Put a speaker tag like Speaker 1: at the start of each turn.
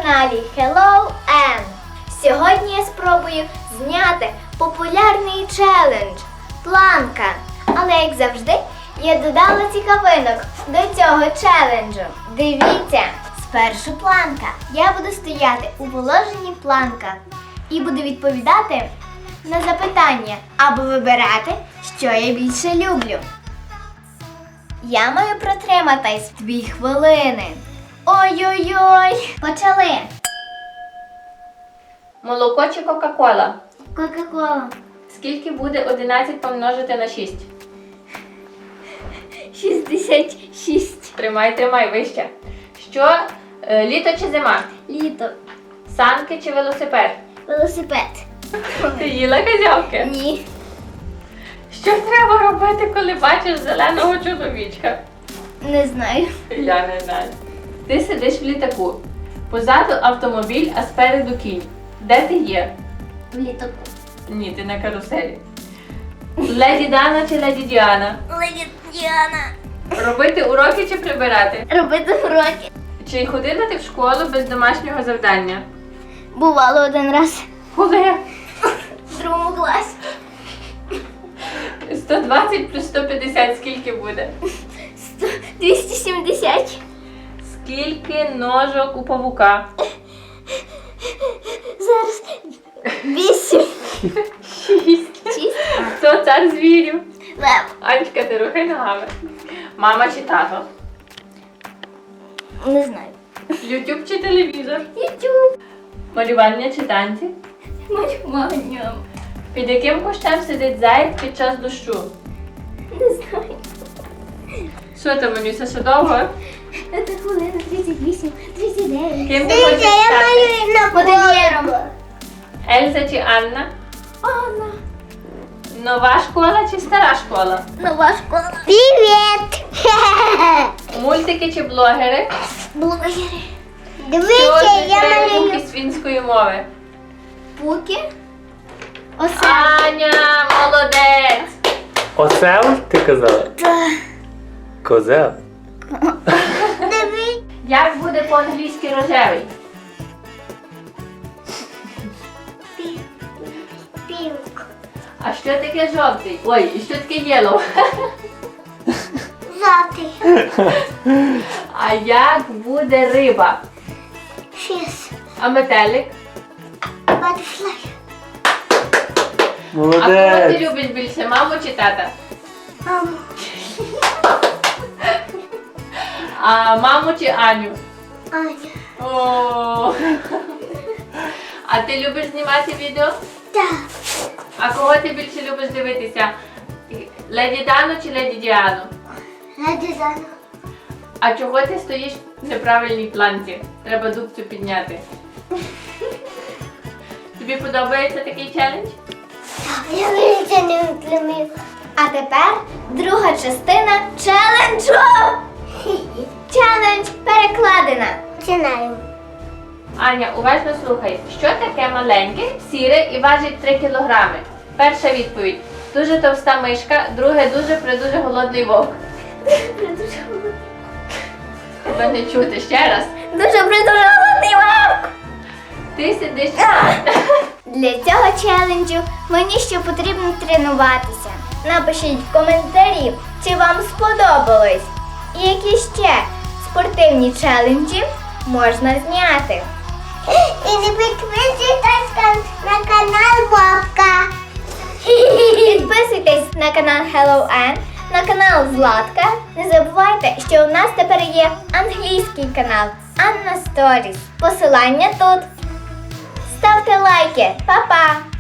Speaker 1: каналі Hello Ann. Сьогодні я спробую зняти популярний челендж планка. Але, як завжди, я додала цікавинок до цього челенджу. Дивіться, спершу планка. Я буду стояти у положенні планка і буду відповідати на запитання або вибирати, що я більше люблю. Я маю протриматись 2 хвилини. Ой-ой-ой! Почали!
Speaker 2: Молоко чи Кока-Кола?
Speaker 1: Кока-кола.
Speaker 2: Скільки буде 11 помножити на 6?
Speaker 1: 66.
Speaker 2: Тримай, вище. Що? Літо чи зима?
Speaker 1: Літо.
Speaker 2: Санки чи велосипед?
Speaker 1: Велосипед.
Speaker 2: Ти їла козявки?
Speaker 1: Ні.
Speaker 2: Що треба робити, коли бачиш зеленого чоловічка?
Speaker 1: Не знаю.
Speaker 2: Я не знаю. Ти сидиш в літаку. Позаду автомобіль, а спереду кінь. Де ти є?
Speaker 1: В літаку.
Speaker 2: Ні, ти на каруселі. Леді Дана чи Леді Діана?
Speaker 1: Леді Діана.
Speaker 2: Робити уроки чи прибирати?
Speaker 1: Робити уроки.
Speaker 2: Чи ходила ти в школу без домашнього завдання?
Speaker 1: Бувало один раз.
Speaker 2: Коли?
Speaker 1: В 2 класі.
Speaker 2: 120 плюс 150 скільки буде?
Speaker 1: 270.
Speaker 2: Скільки ножок у павука?
Speaker 1: Зараз 8.
Speaker 2: 6.
Speaker 1: 6.
Speaker 2: Хто цар звірів?
Speaker 1: Лев.
Speaker 2: Анечка, ти рухай ногами. Мама чи тато?
Speaker 1: Не знаю.
Speaker 2: Ютуб чи телевізор?
Speaker 1: Ютуб.
Speaker 2: Малювання чи танці?
Speaker 1: Малювання.
Speaker 2: Під яким кущем сидить заєць під час дощу?
Speaker 1: Не знаю.
Speaker 2: Що там, Манюся, ще довго?
Speaker 1: Це хвилина 38, 39.
Speaker 2: Ким ти хочеш стати?
Speaker 1: Модельєром.
Speaker 2: Ельза чи Анна?
Speaker 1: Анна.
Speaker 2: Нова школа чи стара школа?
Speaker 1: Нова школа. Привіт.
Speaker 2: Мультики чи блогери?
Speaker 1: Блогери.
Speaker 2: Що означає звуки з фінської мови?
Speaker 1: Пуки. Осе.
Speaker 2: Аня, молодець!
Speaker 3: Осел, ти казала? Козел.
Speaker 1: Дивись.
Speaker 2: Як буде по-англійськи рожевий?
Speaker 1: Пілк.
Speaker 2: А що таке жовтий? Ой, і що таке yellow?
Speaker 1: Жовтий.
Speaker 2: А як буде риба?
Speaker 1: Фіс.
Speaker 2: А метелик?
Speaker 1: Батфлай.
Speaker 2: А кого ти
Speaker 3: Молодець.
Speaker 2: любиш більше, маму чи тата?
Speaker 1: Маму.
Speaker 2: А маму чи Аню?
Speaker 1: Аня.
Speaker 2: О. А ти любиш знімати відео?
Speaker 1: Так.
Speaker 2: А кого ти більше любиш дивитися? Леді Дану чи Леді Діану?
Speaker 1: Леді Дана.
Speaker 2: А чого ти стоїш в неправильній планці? Треба дубцю підняти. Тобі подобається такий челендж?
Speaker 1: Я більше не втримив. А тепер друга частина челенджу. Челендж перекладена. Починаємо.
Speaker 2: Аня, уважно слухай. Що таке маленьке, сіре і важить 3 кілограми? Перша відповідь. Дуже товста мишка, друге дуже голодний вовк. Тебе не чути ще раз.
Speaker 1: Дуже голодний вовк.
Speaker 2: Ти сидиш.
Speaker 1: Для цього челенджу мені ще потрібно тренуватися. Напишіть в коментарі, чи вам сподобалось. І які ще спортивні челенджі можна зняти. І не підписуйтесь на канал Бобка. Підписуйтесь на канал Hello Ann, на канал Златка. Не забувайте, що у нас тепер є англійський канал Anna Stories. Посилання тут. Ставте лайки. Па-па!